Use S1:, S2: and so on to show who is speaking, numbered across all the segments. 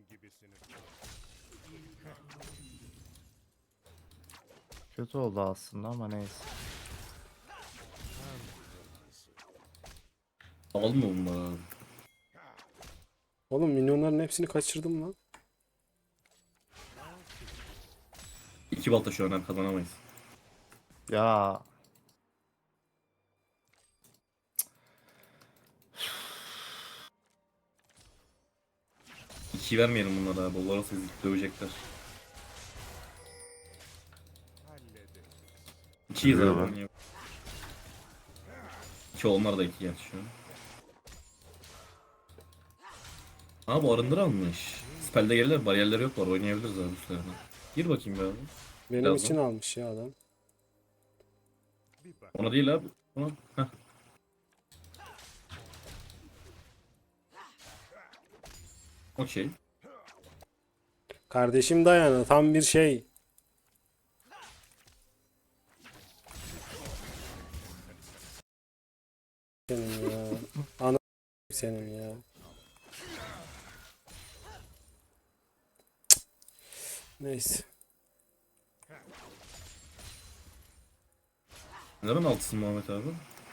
S1: Kötü oldu aslında ama neyse.
S2: Alma bunları abi.
S3: Oğlum minyonların hepsini kaçırdım lan.
S2: 2 balta şu an hem kazanamayız.
S1: Ya
S2: 2 vermeyelim bunlara abi. Onlar olsa bizi dövecekler. 2'yiz abi.
S4: Dövüyorlar.
S2: Oynayalım. 2 onlar da 2 gerçi şu an. Aa bu arındır almış. Spell'de gelirler, bariyerleri yok var. Oynayabiliriz abi bu sefer. Gir bakayım be abi.
S3: Benim
S2: Birazdan.
S3: için almış ya adam.
S2: Ona değil abi. Ona. Heh. Okey.
S3: Kardeşim Dayana tam bir şey. Senin ya. Ana senin ya. Neyse.
S2: Neden altısın Muhammed abi?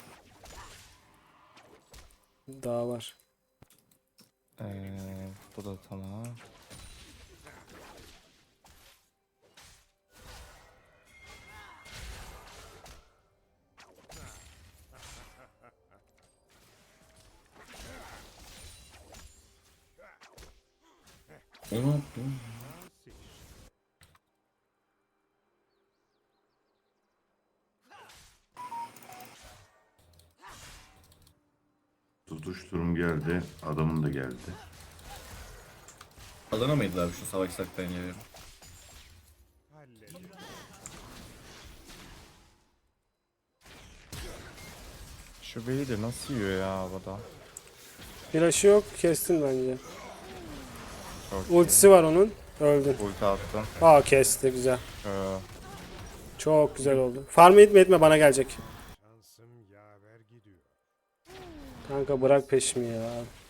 S3: Daha var.
S1: bu da tamam.
S2: O ne yaptı?
S4: Tutuşturum geldi. Adamın da geldi.
S2: Kazanamayız abi şu savaşsak ben ya.
S1: Şu beyi de nasıl yiyor ya havada?
S3: Flash'ı yok. Kestin bence.
S1: Çok
S3: Ultisi var onun. Öldün.
S1: iyi. Ulti attım.
S3: Aa kesti güzel.
S1: Ee,
S3: Çok güzel oldu. Farmı etme etme bana gelecek. Kanka bırak peşimi ya.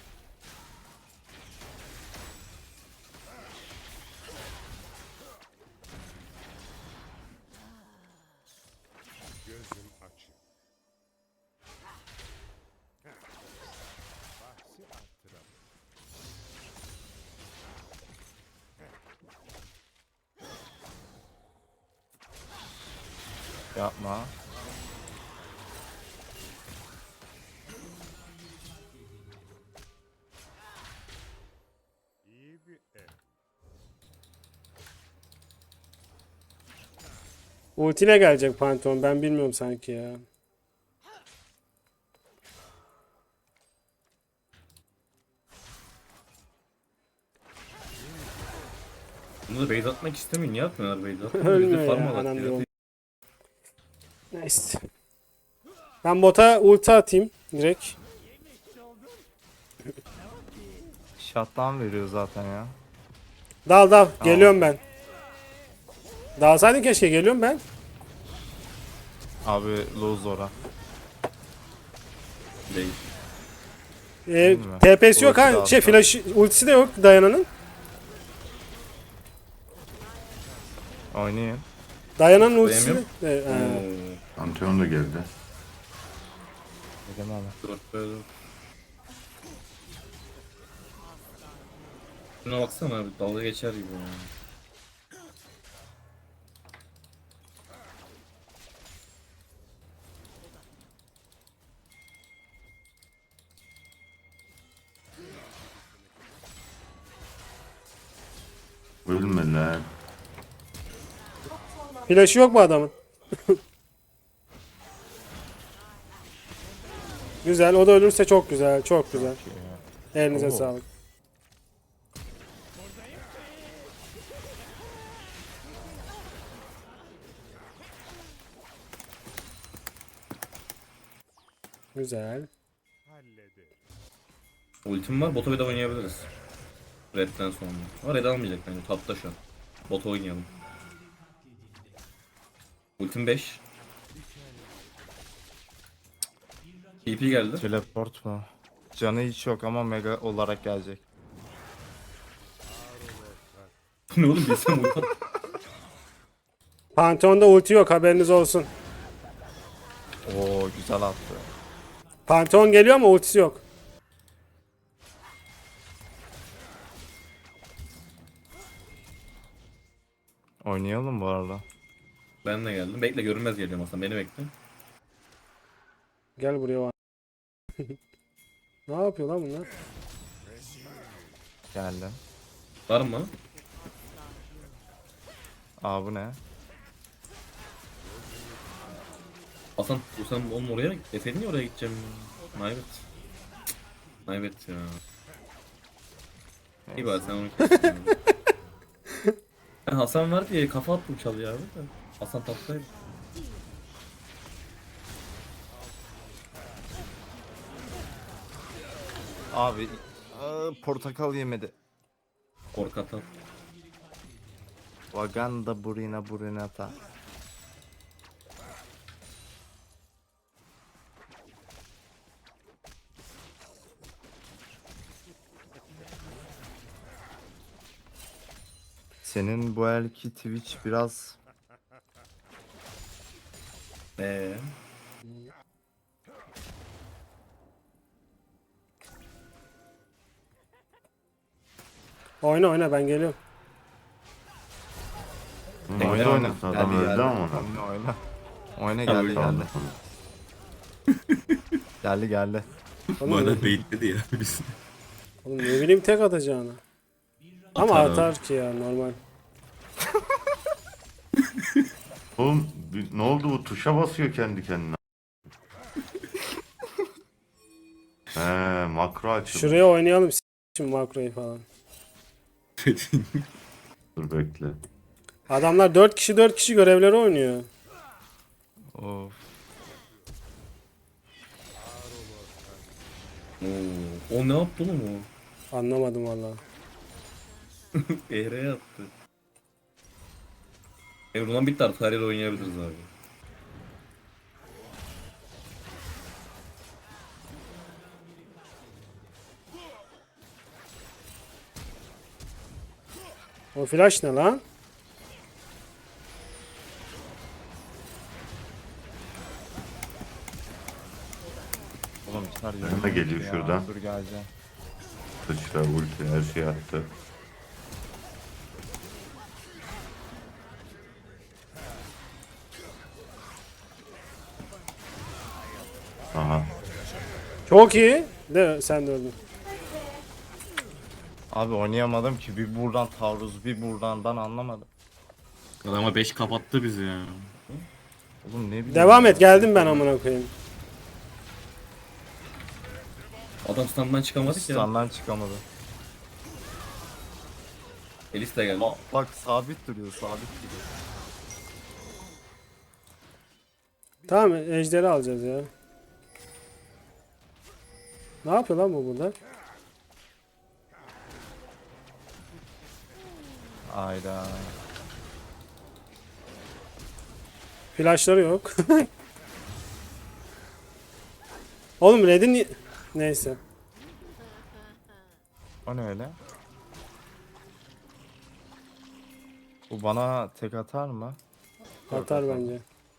S1: yapma.
S3: Ultiyle gelecek Pantheon. Ben bilmiyorum sanki ya.
S2: Bunu da base atmak istemiyor. Niye atmıyorlar base atmıyor?
S3: Ölmüyor
S2: Biz de farm
S3: ya,
S2: alak
S3: anam
S2: ya.
S3: diyorum. Neyse. Ben bota ulti atayım direkt.
S1: Shutdown veriyor zaten ya.
S3: Dal dal. Geliyorum ben. Dalsaydın keşke. Geliyorum ben.
S1: Abi lose ora.
S2: Değil.
S3: TP'si yok
S1: Ulti de
S3: ha.
S1: aldı.
S3: Flash ultisi de yok Dayana'nın.
S1: Oynayın.
S3: Dayana'nın ultisi de.
S2: Dayanamıyorum.
S3: Ha.
S4: Pantheon da geldi.
S1: Dedim ama.
S2: Dur böyle. Şuna baksana abi dalga geçer gibi ya.
S4: Ölme lan.
S3: Flash'ı yok mu adamın? Güzel. O da ölürse çok güzel. Çok güzel. Elinize
S1: Oo.
S3: sağlık. Güzel.
S2: Ultim var. Bota bir de oynayabiliriz. Red'den sonra. Ama Red almayacak bence. Tapta şu an. Bota oynayalım. Ultim 5. TP geldi.
S1: Teleport mu? Canı hiç yok ama mega olarak gelecek.
S2: Bu ne oğlum bilsem uykan.
S3: Pantheon'da ulti yok, haberiniz olsun.
S1: Oo güzel attı.
S3: Pantheon geliyor ama ultisi yok.
S1: Oynayalım bu arada.
S2: Ben de geldim. Bekle görünmez geliyorum aslında. Beni bekle.
S3: Gel buraya var. Ne yapıyor lan bunlar?
S1: Geldim.
S2: Var mı?
S1: Aa bu ne?
S2: Hasan sen oğlum oraya deseydin ya oraya gideceğim. Naybet. Naybet ya. İyi bari sen onu kestin. Ben Hasan var diye kafa attım çalıya abi de. Hasan tatlıydı.
S1: Abi portakal yemedi.
S2: Korkatan.
S1: Vaganda burina burinata. Senin bu elki Twitch biraz
S2: Eee.
S3: Oyna oyna, ben geliyorum.
S1: oyna oyna.
S4: Adam
S1: Geldi,
S4: öldü
S1: geldi.
S4: ama.
S1: Oyna oyna. Oyna
S2: Tamam,
S1: geldi
S2: tamam.
S1: geldi. Geldi geldi.
S3: Oğlum,
S2: beyitledi ya biz.
S3: oğlum ne bileyim tek atacağını. Ama
S2: Atar abi.
S3: atar ki ya, normal.
S4: Oğlum ne oldu bu? Tuşa basıyor kendi kendine. He, makro açıldı.
S3: Şuraya oynayalım şimdi makroyu falan.
S4: Dur bekle.
S3: Adamlar 4 kişi 4 kişi görevleri oynuyor.
S1: Of.
S2: Oo, o ne yaptı oğlum o?
S3: Anlamadım valla.
S2: Eğreye attı. Evrolan bitti artık her yere oynayabiliriz abi.
S3: O flash ne lan?
S1: Oğlum çıkar
S4: Önüme geliyor şuradan.
S1: Dur geleceğim.
S4: Sıçra, ulti, her şey attı. Aha.
S3: Çok iyi. De sen de öldün.
S1: Abi oynayamadım ki bir buradan taarruz bir buradan ben anlamadım.
S5: Adama 5 kapattı bizi ya.
S1: Oğlum ne bileyim.
S3: Devam
S1: ya.
S3: et, geldim ben amına koyayım.
S2: Adam standdan çıkamadı ki ya.
S1: Standdan çıkamadı.
S2: Elis de geldi.
S1: Bak sabit duruyor sabit duruyor.
S3: Tamam, ejderi alacağız ya. Ne yapıyor lan bu burada?
S1: Ayda.
S3: Flashları yok. Oğlum Red'in... Neyse.
S1: O ne öyle? Bu bana tek atar mı?
S3: Atar bence.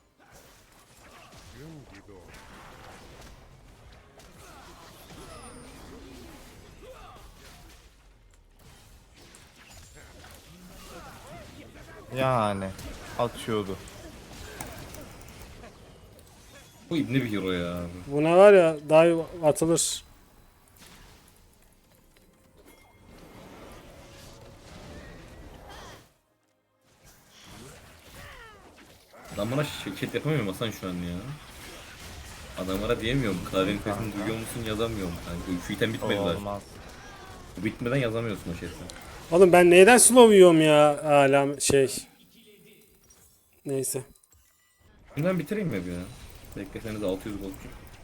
S1: Yani atıyordu.
S2: Bu ibne bir hero ya.
S3: Buna var ya dive atılır.
S2: Adam bana şirket yapamıyorum Hasan şu an ya. Adamlara diyemiyorum. Klavyenin sesini duyuyor musun yazamıyorum. Yani şu item bitmedi daha.
S1: Olmaz.
S2: Bu bitmeden yazamıyorsun o şeyi.
S3: Oğlum ben neyden slow yiyorum ya? Hala şey. Neyse.
S2: Şimdiden bitireyim mi bir ya? Bekleseniz 600 gol.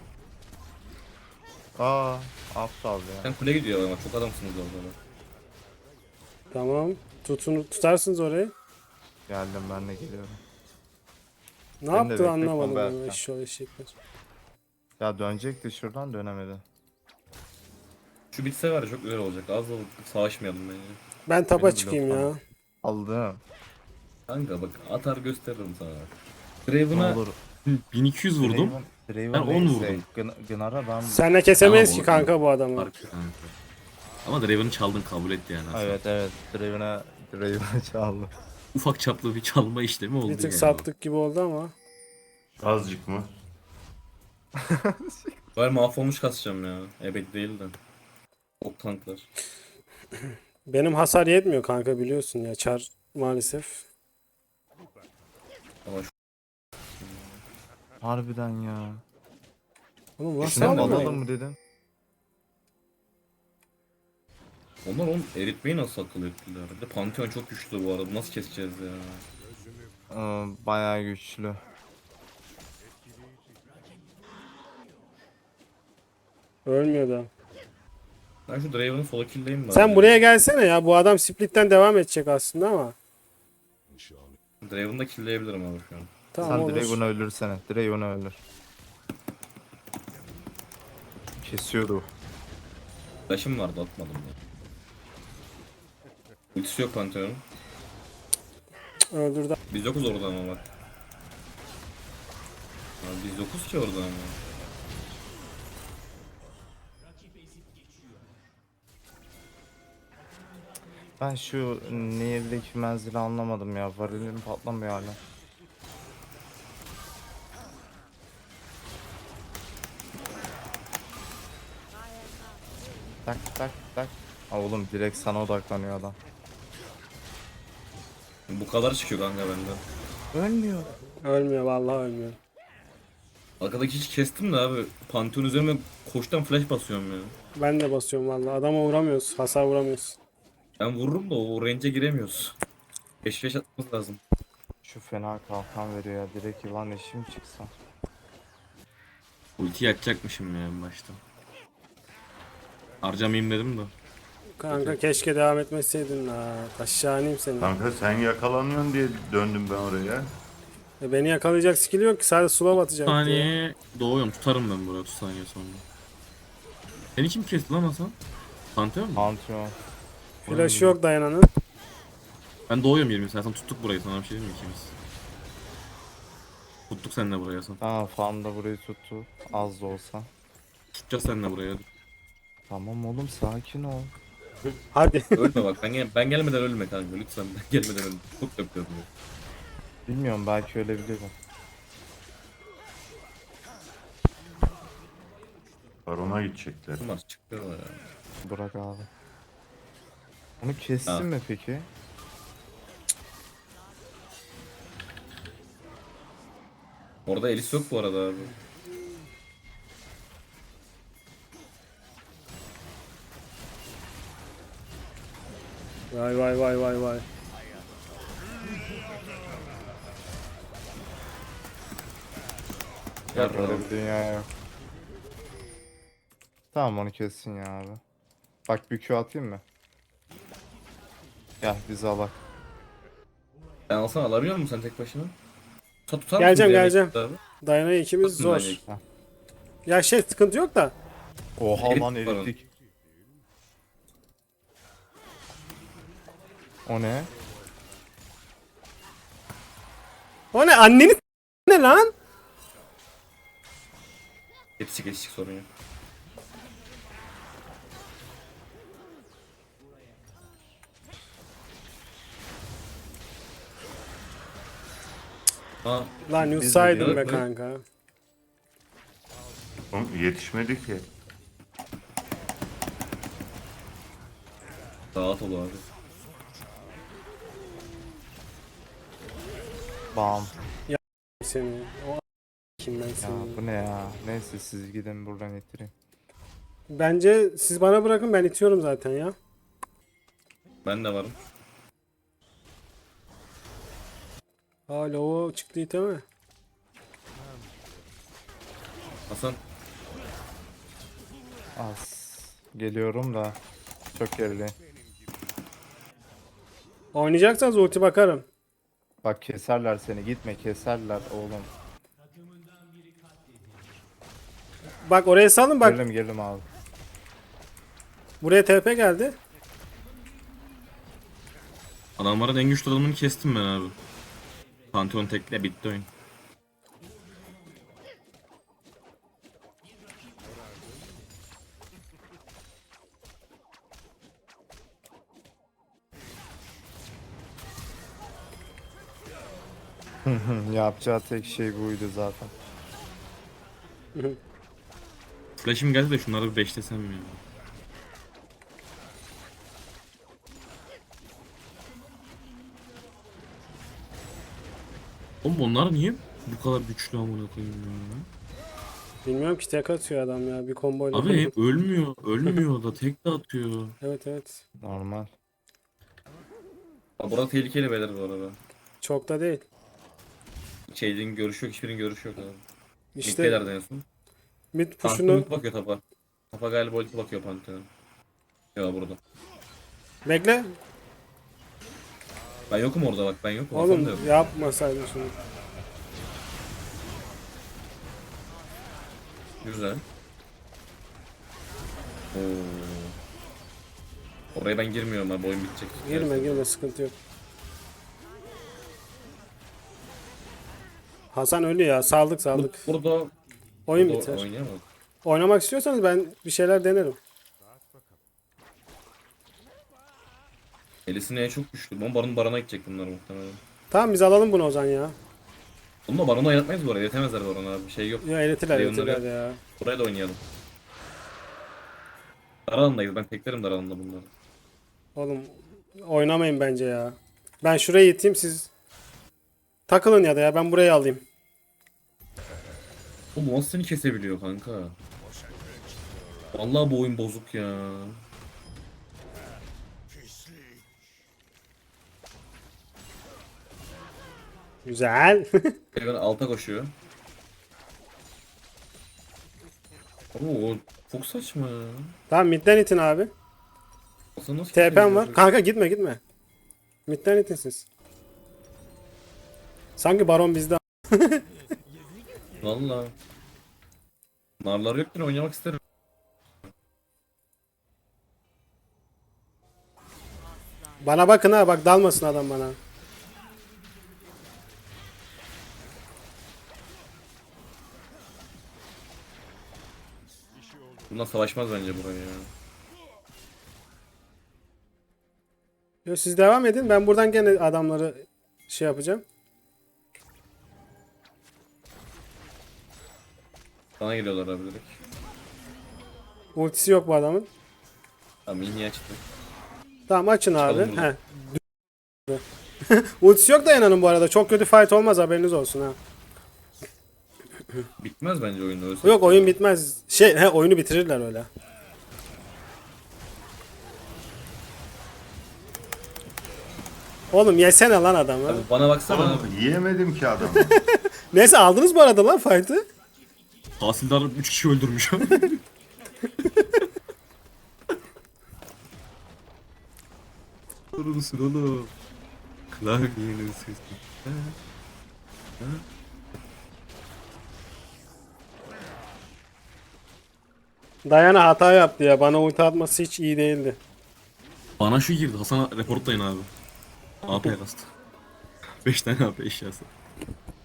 S1: Aa aptal ya.
S2: Sen kule gidiyor ama çok adamsınız orada da.
S3: Tamam. Tutarsınız orayı.
S1: Geldim ben de geliyorum.
S3: Ne
S1: Ben de
S3: yaptı
S1: bekle,
S3: anlamadım
S1: combo
S3: ya.
S1: yapacağım.
S3: Eşşoğlu eşekler.
S1: Ya dönecekti şuradan dönemedi.
S2: Şu bitse var ya çok güzel olacak. Az da savaşmayalım bence.
S3: Ben tapa
S1: Benim
S3: çıkayım
S1: bloklam.
S3: ya.
S1: Aldım.
S2: Kanka bak atar gösteririm sana.
S1: Ne
S2: Draven'a
S1: olur.
S5: 1200 vurdum.
S1: Draven
S5: Ben 10
S1: neyse,
S5: vurdum.
S1: Gınar'a ben...
S3: Senle kesemeyiz
S5: Tamam,
S3: ki kanka bu adamı.
S5: Fark kanka. Ama Draven'ı çaldın kabul etti yani aslında.
S1: Evet Draven'a çaldı.
S5: Ufak çaplı bir çalma işlemi oldu
S3: Bir tık
S5: yani.
S3: sattık gibi oldu ama.
S4: Azıcık mı?
S2: ben mahvolmuş kasacağım ya. Ebed değil de. O tanklar.
S3: Benim hasar yetmiyor kanka biliyorsun ya çar maalesef.
S2: Ama şu
S1: Harbiden ya.
S3: Oğlum nasıl
S1: Şuna mı
S3: aldın
S1: alalım
S3: ya?
S1: mı dedim.
S2: onlar onu eritmeyi nasıl akıl ettiler? Bir de Pantheon çok güçlü bu arada. Nasıl keseceğiz ya?
S1: Bayağı güçlü.
S3: Ölmüyor da.
S2: Ben şu Draven'ı sola killleyim bari.
S3: Sen buraya gelsene ya. Bu adam split'ten devam edecek aslında ama.
S2: Draven'ı da killleyebilirim abi şu an.
S3: Tamam
S1: Sen
S3: olur.
S1: Draven'ı öldürsene. Draven'ı öldür. Kesiyordu.
S2: Flash'ım vardı atmadım ya. Ultisi yok Pantheon'un.
S3: Öldürdü.
S2: Biz yokuz orada ama bak. Abi biz yokuz ki orada ama.
S1: Ben şu Nehir'deki menzili anlamadım ya. Varilim patlamıyor hala. Tak tak tak. Aa, oğlum direkt sana odaklanıyor adam.
S2: Bu kadar çıkıyor kanka benden.
S1: Ölmüyor.
S3: Ölmüyor vallahi ölmüyor.
S2: Arkadaki hiç kestim de abi. Pantheon üzerime koştan flash basıyorum ya.
S3: Ben de basıyorum vallahi. Adama vuramıyoruz. Hasar vuramıyoruz.
S2: Ben vururum da o range'e giremiyoruz. 5 atmamız lazım.
S1: Şu fena kalkan veriyor ya. Direkt yılan eşim çıksa.
S5: Ultiyi açacakmışım ya en başta. Harcamayayım dedim de.
S3: Kanka keşke devam etmeseydin ha. Aşağı ineyim seni.
S4: Kanka sen yakalanıyorsun diye döndüm ben oraya.
S3: Beni yakalayacak skill yok ki. Sadece slow atacak diye.
S5: Saniye doğuyorum. Tutarım ben buraya 30 saniye sonra. Seni kim kesti lan Hasan? Pantheon mu?
S1: Pantheon.
S3: Flash yok dayananın.
S5: Ben doğuyorum 20 saniye. Tuttuk burayı sana bir şey diyeyim mi ikimiz? Tuttuk seninle burayı Hasan.
S1: Aa fan da burayı tuttu. Az da olsa.
S5: Tutacağız seninle buraya.
S1: Tamam oğlum sakin ol.
S3: Hadi.
S2: Ölme bak ben gelmeden ölme kanka lütfen ben gelmeden ölme. Çok yapıyorum ya.
S1: Bilmiyorum belki ölebilirim.
S4: Barona gidecekler.
S2: Bunlar çıkıyorlar ya.
S1: Bırak abi. Onu kestin
S2: Ha.
S1: mi peki?
S2: Orada Elis yok bu arada abi.
S3: Vay vay vay vay vay.
S2: Ya
S1: Böyle bir dünya yok. Tamam onu kessin ya abi. Bak bir Q atayım mı? Gel bizi al bak.
S2: ben alsana alabiliyor musun sen tek başına? Tutar
S3: Geleceğim,
S2: mısın
S3: geleceğim.
S2: Abi?
S3: Dayanayı ikimiz zor.
S2: Tutun bence.
S3: Ya şey sıkıntı yok da.
S1: Oha
S2: Erit
S1: lan
S2: var
S1: erittik. O ne?
S3: O ne anneni ne lan?
S2: Yetişik sorun yok. Ha,
S3: Lan
S1: Biz de
S3: yutsaydım be
S2: diyoruz.
S3: kanka.
S4: Oğlum yetişmedi ki.
S2: rahat ol abi.
S1: Bam.
S3: Seni. O kim ben
S1: Ya
S3: seni.
S1: bu ne ya? Neyse siz gidin buradan ittireyim.
S3: Bence siz bana bırakın ben itiyorum zaten ya.
S2: Ben de varım.
S3: Hala o çıktı iteme.
S2: Hasan
S1: Az. Geliyorum da. Çok gerileyim.
S3: Oynayacaksanız ulti bakarım.
S1: Bak keserler seni. Gitme keserler oğlum.
S3: Bak oraya salın bak.
S1: Gelelim abi.
S3: Buraya TP geldi.
S5: Adamların en güçlü adamını kestim ben abi. Pantheon tekle bitti oyun.
S1: Yapacağı tek şey buydu zaten.
S5: Flash'im geldi de şunları bir beşlesem mi ya? Oğlum onlar niye bu kadar güçlü amına koyayım ya?
S3: Bilmiyorum ki tek atıyor adam ya bir komboyla.
S5: Abi hep ölmüyor. Ölmüyor da tek de atıyor.
S3: Evet evet.
S1: Normal.
S2: Aa, burada tehlikeli beyler bu arada.
S3: Çok da değil.
S2: Şeylerin görüşü yok, hiçbirinin görüşü yok abi.
S3: İşte
S2: Mid'delerden en son.
S3: mid
S2: Pantheon
S3: push'unu
S2: ulti bakıyor tapa. Tapa galiba ulti bakıyor Pantheon. Ya burada.
S3: bekle.
S2: Ben yokum orada bak, ben yokum. Hasan da yok.
S3: Oğlum yapmasaydın şunu.
S2: Güzel. Oo. Oraya ben girmiyorum abi, oyun bitecek.
S3: Girme girme sıkıntı yok. Hasan ölü ya saldık saldık.
S2: Burada
S3: Oyun
S2: burada
S3: biter.
S2: oynayamam.
S3: Oynamak istiyorsanız ben bir şeyler denerim.
S2: Elisine en çok güçlü. Barona gidecek bunlar muhtemelen.
S3: Tamam biz alalım bunu o zaman ya.
S2: Bunu da Baron'a oynatmayız bu arada. Yetemezler Baron'a abi. Şey yok.
S3: Ya eğletirler
S2: Leon'ları
S3: eğletirler ya.
S2: Buraya da oynayalım. Dar alandayız. Ben teklerim dar alanda bunları.
S3: Oğlum oynamayın bence ya. Ben şuraya iteyim siz takılın ya da ya ben burayı alayım.
S2: Oğlum nasıl seni kesebiliyor kanka? Vallahi bu oyun bozuk ya.
S3: Güzel.
S2: Ben alta koşuyor. Oo, çok saçma ya.
S3: Tamam midden itin abi.
S2: Aslında nasıl
S3: TP'm var.
S2: kesebiliyor?
S3: Kanka gitme gitme. Midden itin siz. Sanki baron bizde.
S2: Valla. Narlar yok yine oynamak isterim.
S3: Bana bakın ha bak dalmasın adam bana.
S2: Bundan savaşmaz bence buraya ya.
S3: Yo, siz devam edin ben buradan gene adamları şey yapacağım.
S2: Sana geliyorlar abi direkt.
S3: Ultisi yok bu adamın.
S2: Tamam mini açtı.
S3: Tamam açın abi.
S2: Çıkalım buradan.
S3: He. Ultisi yok da Yana'nın bu arada. Çok kötü fight olmaz haberiniz olsun ha.
S2: Bitmez bence oyun öyle.
S3: Yok oyun bitmez. Oyunu bitirirler öyle. Oğlum yesene lan adamı.
S2: Abi bana baksana abi.
S4: Oğlum yiyemedim ki adamı.
S3: Neyse aldınız bu arada lan fight'ı.
S5: Tahsildar 3 kişi öldürmüş. Durur musun oğlum? Klavyenin sesi.
S3: Dayana hata yaptı ya. Bana ulti atması hiç iyi değildi.
S5: Bana şu girdi. Hasan'a reportlayın abi. AP kastı. 5 tane AP eşyası.